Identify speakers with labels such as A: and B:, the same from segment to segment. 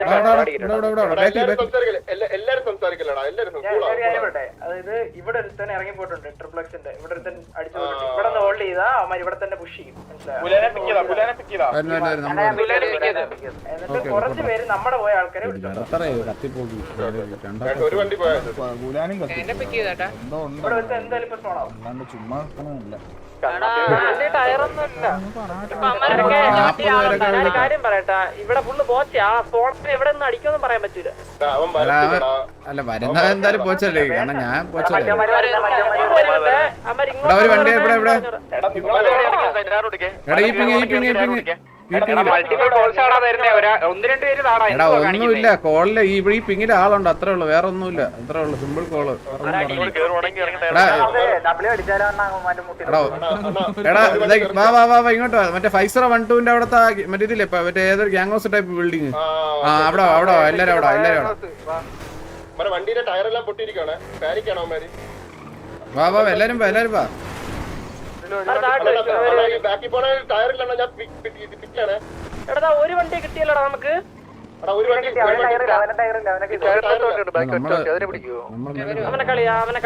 A: അതായത് ഇവിടെ ഒരുത്തൻ ഇറങ്ങി പോയിട്ടുണ്ട് ട്രിപ്ലക്സിന്റെ ഇവിടെ ഒരുത്തൻ അടിച്ചു പോയിട്ടുണ്ട് ഇവിടെ നിന്ന് ഹോൾഡ് ചെയ്താ അവന്മാർ ഇവിടെ തന്നെ പുഷ് ചെയ്യും എന്നിട്ട് കുറച്ച് പേര് നമ്മുടെ പോയ ആൾക്കാരെ ഇവിടെ എന്തായാലും ഇപ്പൊ സ്പോണാവും കാര്യം പറയട്ടാ ഇവിടെ ഫുള്ള് പോച്ച ആ സ്പോൺസിന് എവിടെ നിന്ന് അടിക്കൊന്നും പറയാൻ പറ്റൂല
B: അല്ല വരുന്ന എന്തായാലും പോച്ചല്ലേ കാരണം ഞാൻ പോച്ചല്ലേ ഒരു വണ്ടി ഇവിടെ ഇവിടെ ഒന്നുമില്ല കോളില് ഈ പിങ്ങിന്റെ ആളുണ്ട് അത്രേ ഉള്ളു വേറെ ഒന്നുമില്ല അത്രേ ഉള്ളു സിമ്പിൾ കോള് എടാ വാ ഇങ്ങോട്ട് മറ്റേ 5012ന്റെ അവിടത്തെ മറ്റേ ഇതില്ലേ മറ്റേ ഏതൊരു ഗ്യാങ് ഹൗസ് ടൈപ്പ് ബിൽഡിങ് ആ അവിടെ എല്ലാരും അവിടെ
C: വണ്ടിയുടെ ടയറെല്ലാം പൊട്ടിയിരിക്കാണ്
B: വാ എല്ലാരും വാ
A: ഒരു വണ്ടി കിട്ടിയല്ലോടാ നമുക്ക് അവനെ കളി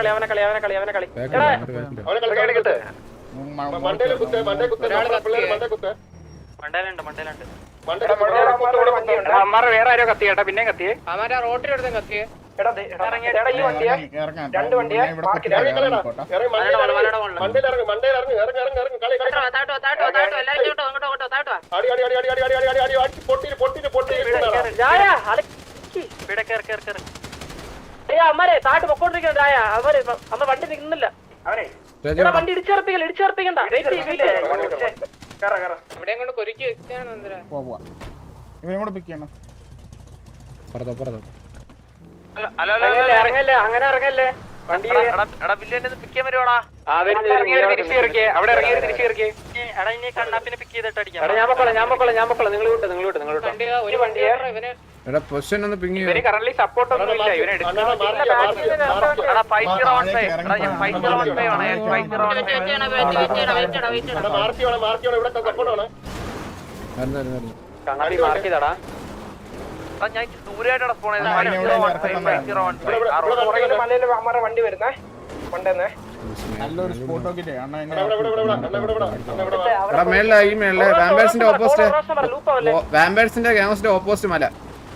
D: വേറെ ആരോ കത്തി കേട്ടാ പിന്നെ കത്തിയേ
A: റോട്ടിലെടുത്ത കത്തിയേ ഈ വണ്ടിയാ രണ്ട് വണ്ടിയാ അമ്മരെ താട്ട് പൊക്കോണ്ടിരിക്കണ്ട അമ്മ വണ്ടി നിൽക്കുന്നില്ല അവനെ വണ്ടി ഇടിച്ചേർപ്പിക്കണ്ട ഇവിടെ കൊണ്ട് കൊരുക്കി ഇറങ്ങല്ലേ അങ്ങനെ ഇറങ്ങല്ലേ വണ്ടി പിക്ക് ചെയ്യാൻ വരുവാടാ അവിടെ ഇറങ്ങി തിരിച്ചിറക്കിയേ കണ്ണാപ്പിനെ പിക്ക് ചെയ്തിട്ട് അടിക്കാം ഞാൻ പൊക്കോളാം നിങ്ങൾ ഒരു വണ്ടിയെ
B: എടാ പൊസിഷൻ ഒന്ന് പിങ്ങി
D: കറന്റ് സപ്പോർട്ട് ഒന്നും ഇല്ല ഇവനെ
A: കണ്ണാപ്പി മാർക്ക് ചെയ്താടാ
D: ഞാൻ ദൂരായിട്ടാണ്
A: വണ്ടി വരുന്നേ കൊണ്ടുവന്നേ
B: വാമ്പേഴ്സിന്റെ ഗ്യാങ് ഹൗസിന്റെ ഓപ്പോസിറ്റ് മല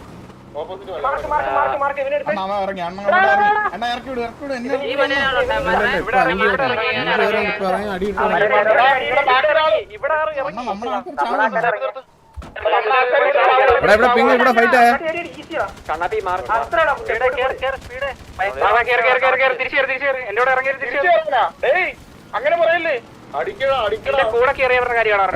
B: ഇവിടെ ഫൈറ്റ് ആയ
D: അങ്ങനെ പറയല്ലേ കൂടെ കയറിയവരുടെ കാര്യമാണ്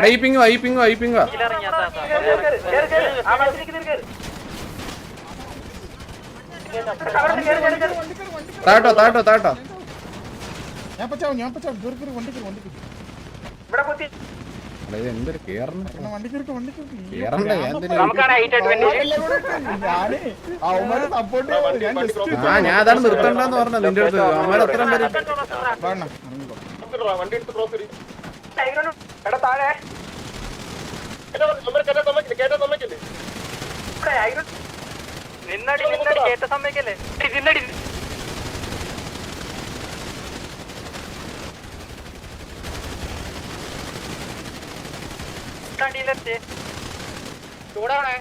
B: താട്ടോ എന്തൊരു ഞാൻ അതാണ് നിർത്തണ്ടെന്ന് പറഞ്ഞത് നിന്റെ അടുത്ത് അവന്മാർ അത്രയും
D: നിന്നടി കേട്ട സമ്മതിക്കല്ലേ നിന്നടി ചൂടാണേ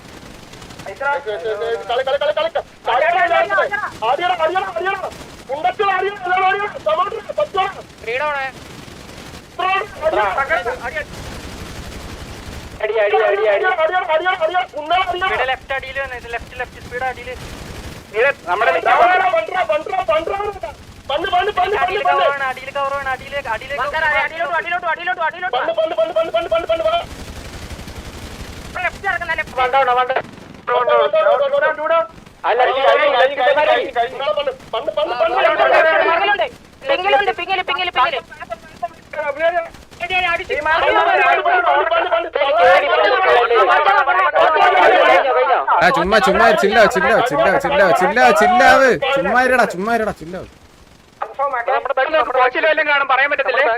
D: ലെഫ്റ്റ് അടിയിൽ ലെഫ്റ്റ് സ്പീഡ് അടിയില് നമ്മുടെ അടിയിൽ കവറാണ്
B: ചുമ്മാ ചില്ലാവ്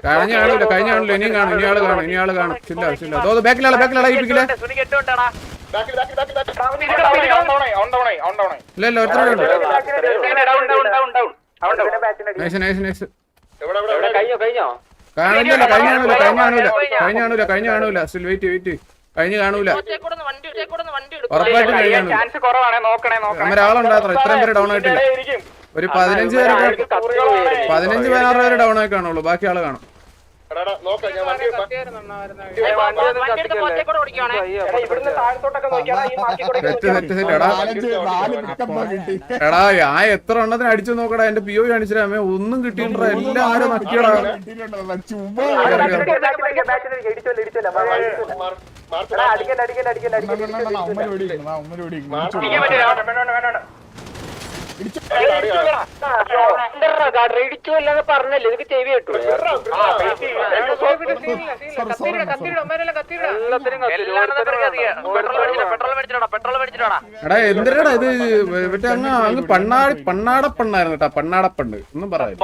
B: കഴിഞ്ഞാണല്ലോ ഇനിയും കാണും ഇനിയാള് കാണും ചില്ലാ ബാക്കിലാളാ ഇല്ല ഇല്ല ഒരുത്തരും നൈസ് നൈസ് നൈസ് കാണില്ല കഴിഞ്ഞ കാണൂല സ്റ്റിൽ വെയിറ്റ് കഴിഞ്ഞ് കാണൂല ഉറപ്പായിട്ടും കഴിഞ്ഞ
A: ചാൻസ് കുറവാണ്. നോക്കണേ
B: ഒരാളുണ്ടാത്ര ഇത്രയും പേര് ഡൗൺ ആയിട്ടില്ല. ഒരു 15 16 പേര് ഡൗൺ ആയി കാണുള്ളൂ. ബാക്കി ആള് കാണും. എടാ ഞാൻ എത്ര എണ്ണത്തിന് അടിച്ചു നോക്കടാ. എന്റെ PO കാണിച്ചില്ല ഒന്നും കിട്ടിയിട്ടാ. എല്ലാരും നക്കിയടാ.
A: പറഞ്ഞല്ലേ എനിക്ക് ചെവി കേട്ടു.
B: എടാ എന്തിനാടാ ഇത് മറ്റേ അങ്ങ് പണ്ണാടപ്പണ്ണായിരുന്നു കേട്ടാ. പണ്ണാടപ്പണ്ട് ഒന്നും പറയാം.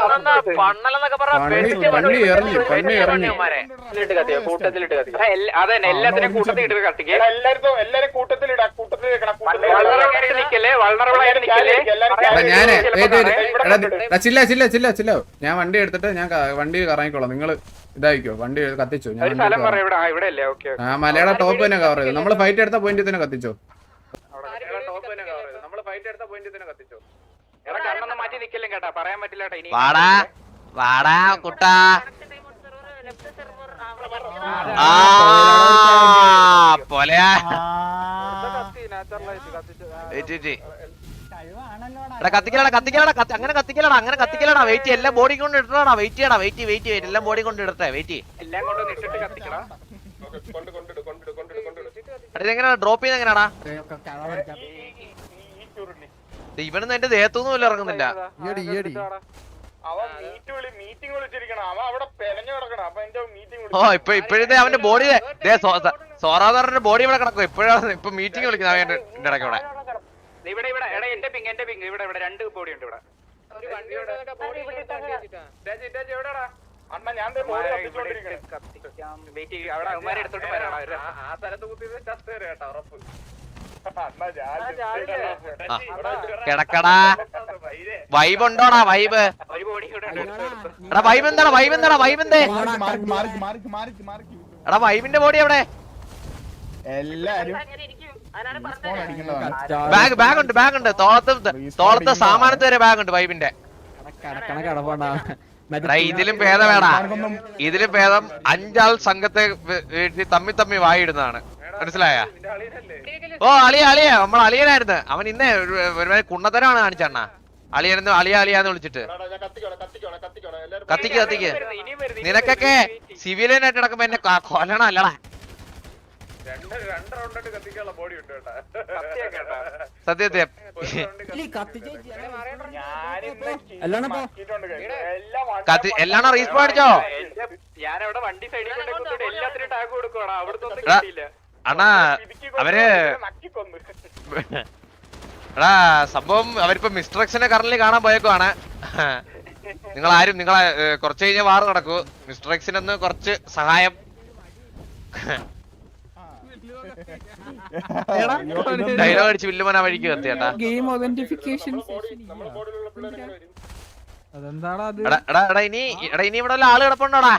B: പണ്ണി ഇറങ്ങി
A: കൂട്ടത്തിലിട്ട് അതന്നെ എല്ലാത്തിനും കൂട്ടത്തിലിട്ട് കത്തിക്കുക. എല്ലാരും കൂട്ടത്തിലിടാ.
B: ഞാന് ചില്ല ഞാൻ വണ്ടി എടുത്തിട്ട് ഞാൻ വണ്ടി കറങ്ങിക്കോളാം. നിങ്ങള് ഇതായിക്കോ വണ്ടി കത്തിച്ചോ. ഞാൻ മലയുടെ ടോപ്പ് തന്നെ കവർ ചെയ്തു. നമ്മള് ഫൈറ്റ് എടുത്ത പോയിന്റ് തന്നെ കത്തിച്ചോ.
A: മാറ്റി നിക്കലും കേട്ടാ. പറയാൻ പറ്റില്ല.
C: വാടാ കുട്ടാ. പോലെയാ അങ്ങനെ കത്തിക്കലടാ. വെയിറ്റ് എല്ലാം ബോഡി കൊണ്ട് ഇടണടാ. വെയിറ്റ് ചെയ്യടാ. വെയിറ്റ് എല്ലാം ബോഡി കൊണ്ട് ഇടട്ടെ. വെയിറ്റ് ഇതെങ്ങനെയാ ഡ്രോപ്പ് ചെയ്യുന്ന എങ്ങനെയാടാ? ഇവനൊന്നും എന്റെ ദേഹത്തൊന്നും പോലും ഇറങ്ങുന്നില്ല. ഓ ഇപ്പോഴത്തെ അവന്റെ ബോഡി സോറാദാറിന്റെ ബോഡി ഇവിടെ കിടക്കും. ഇപ്പോഴാണ് ഇപ്പൊ മീറ്റിംഗ് വിളിക്കുന്നത് അവന്റെ ഇടയ്ക്ക് ഇവിടെ.
A: എന്റെ പിങ് ഇവിടെ രണ്ട് ബോഡി ഉണ്ട് ഇവിടെ.
C: കിടക്കടാ. വൈബ് ഉണ്ടോടാ? വൈബ് എടാ വൈബ് എന്താടാ? വൈബ് എന്തേ? എടാ വൈബിന്റെ ബോഡി എവിടെ? ബാഗ് ഉണ്ട്. തോളത്ത് സാമാനത്ത് വരെ ബാഗ് ഉണ്ട് വൈബിന്റെ. ഇതിലും ഭേദം 5 ആൾ സംഘത്തെ തമ്മി വായിടുന്നതാണ്. മനസ്സിലായ? ഓ അളിയ നമ്മൾ അളിയനായിരുന്നു. അവൻ ഇന്നേ ഒരു കുണ്ണത്തരമാണ് കാണിച്ചണ്ണ. അളിയാന്ന് വിളിച്ചിട്ട് കത്തിക്ക്. നിനക്കൊക്കെ സിവിലിയനായിട്ട് നടക്കുമ്പോ എന്നെ കൊല്ലണം അല്ലടാ. സത്യം എല്ലാണോ റീസ്പോ അടിച്ചോ? അണ്ണാ അവര് എടാ സംഭവം അവരിപ്പോ മിസ്റ്റർ കറന്റ് കാണാൻ പോയേക്കുവാണ്. നിങ്ങളെ കുറച്ച് കഴിഞ്ഞ വാറ് നടക്കൂ. മിസ്റ്റർ എക്സിനൊന്ന് കുറച്ച് സഹായം. ഡയലോഗ് അടിച്ച് വില്ലുമന വഴിക്ക് കത്തിയേട്ടാ. ഇനി ഇവിടെ ഉള്ള ആള് കിടപ്പുണ്ടോടാ?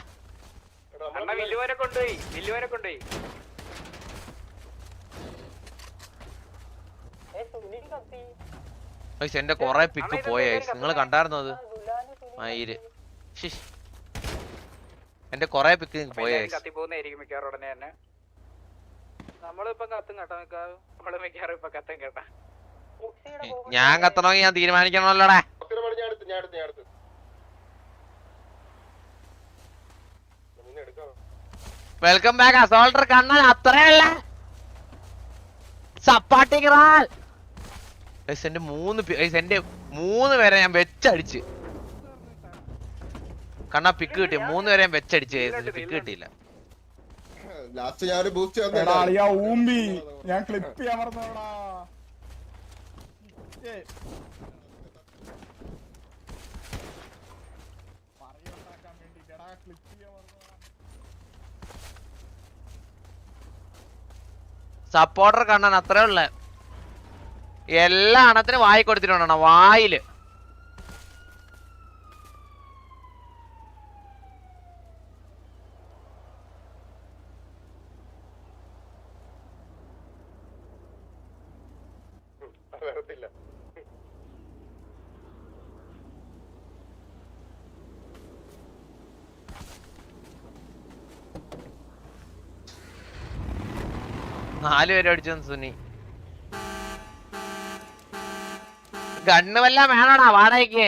C: എന്റെ കൊറേ പിക്ക് പോയ നിങ്ങൾ കണ്ടായിരുന്നോ? അത് മയില് എന്റെ കൊറേ പിക്ക് പോയ. ഞാൻ കത്തണമെങ്കിൽ ഞാൻ തീരുമാനിക്കണമല്ലോടാ. Welcome back assaulter Kannan. അത്രയല്ല സപ്പാട്ടിറാൽ. എന്റെ 3 പേരെ ഞാൻ വെച്ചടിച്ച്. കണ്ണാ പിക്ക് കിട്ടി. 3 പേരെ ഞാൻ വെച്ചടിച്ച്. പിക്ക് കിട്ടിയില്ല.
E: ലാസ്റ്റ് ഞാൻ ബൂസ്റ്റ് ഞാൻ ക്ലിപ്പ് ചെയ്യാൻ മറന്നോടാ.
C: സപ്പോർട്ടർ കണ്ണൻ അത്രേ ഉള്ള എല്ലാ അണത്തിനും വായി കൊടുത്തിട്ടുണ്ടോ വായില്.
E: വരത്തില്ല.
C: നാല് പേര് അടിച്ചു സുനി. ഗണ്ണ് വല്ല വേണോടാ വാടകയ്ക്ക്?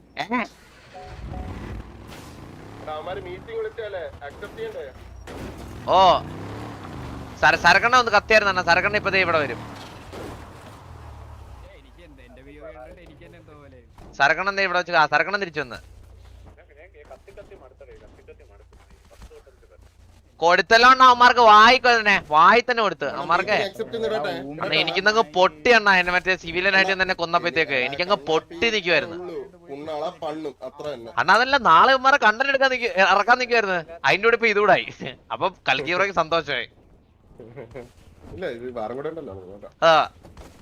E: മീറ്റിംഗ് വിളിച്ചാലേ അക്സെപ്റ്റ് ചെയ്യണ്ടേ?
C: ഓ സരക്കണ്ണ ഒന്ന് കത്തിയായിരുന്നു. സരക്കണ്ണ ഇപ്പതേ ഇവിടെ വരും. സരക്കണ്ണൻ എന്താ ഇവിടെ വെച്ച് സരക്കണ്ണൻ തിരിച്ചു വന്ന് കൊടുത്തല്ലോ അവന്മാർക്ക് വായി തന്നെ കൊടുത്ത് അവന്മാർക്ക്. എനിക്കിന്നങ്ങ് പൊട്ടി എണ്ണ എന്നെ മറ്റേ സിവിലിയനായിട്ട് തന്നെ കൊന്നപ്പോഴത്തേക്ക് എനിക്കങ്ങ് പൊട്ടി നിക്കുവായിരുന്നു അണ്ണാ. അതല്ല നാളെ ഇവന്മാരെ കണ്ടന്റ് എടുക്കാൻ ഇറക്കാൻ നിക്കുവായിരുന്നു. അതിന്റെ കൂടെ ഇപ്പൊ ഇതുകൂടായി. അപ്പൊ കൽക്കീറയ്ക്ക് സന്തോഷമായി.
E: ഇല്ല ഇത് വേറെ കൂടെ ഉണ്ടല്ലോ.
C: ആ